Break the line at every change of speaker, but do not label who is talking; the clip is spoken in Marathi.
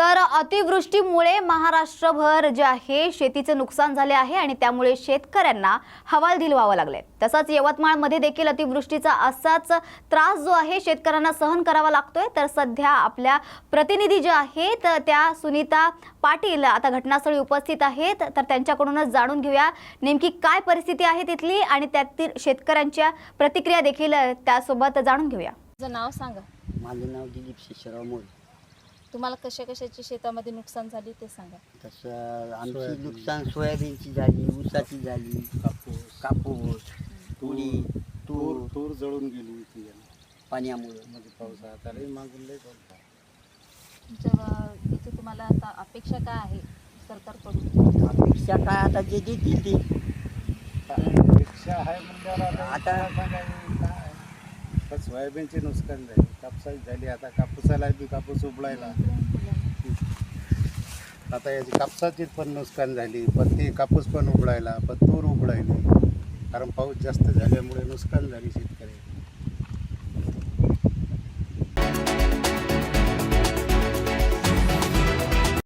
तर अतिवृष्टीमुळे महाराष्ट्रभर जे आहे शेतीचे नुकसान झाले आहे आणि त्यामुळे शेतकऱ्यांना हवालदिल व्हावं लागले। तसंच यवतमाळमध्ये देखील अतिवृष्टीचा असाच त्रास जो आहे शेतकऱ्यांना सहन करावा लागतोय। तर सध्या आपल्या प्रतिनिधी जे आहेत त्या सुनीता पाटील आता घटनास्थळी उपस्थित आहेत, तर त्यांच्याकडूनच जाणून घेऊया नेमकी काय परिस्थिती आहे तिथली आणि त्यातील शेतकऱ्यांच्या प्रतिक्रिया देखील त्यासोबत जाणून घेऊया।
तुझं नाव सांगा।
माझं नाव दिलीप शेषराव मोरे।
तुम्हाला कशाची शेतामध्ये नुकसान झाली ते सांगा।
तसं आमची नुकसान सोयाबीनची झाली, ऊसाची झाली, कापूस, तुरी, तूर
जळून गेली ती
पाण्यामुळे।
मध्ये पावसाळ्यात आले मागून लय पाऊस झाला।
तुमच्या इथे तुम्हाला आता अपेक्षा काय आहे सरकारकडून?
अपेक्षा काय आता जे देतील ते
अपेक्षा आहे म्हणजे
आता
सांगायचं काय तर सोयाबीनचे नुकसान झाले, कापसाची झाली, आता कापूसाला बी कापूस उबळायला आता याची कापसाची पण नुकसान झाली, पण ते कापूस पण उबळायला, पण तूर उबळायली, कारण पाऊस जास्त झाल्यामुळे नुकसान झाली शेती।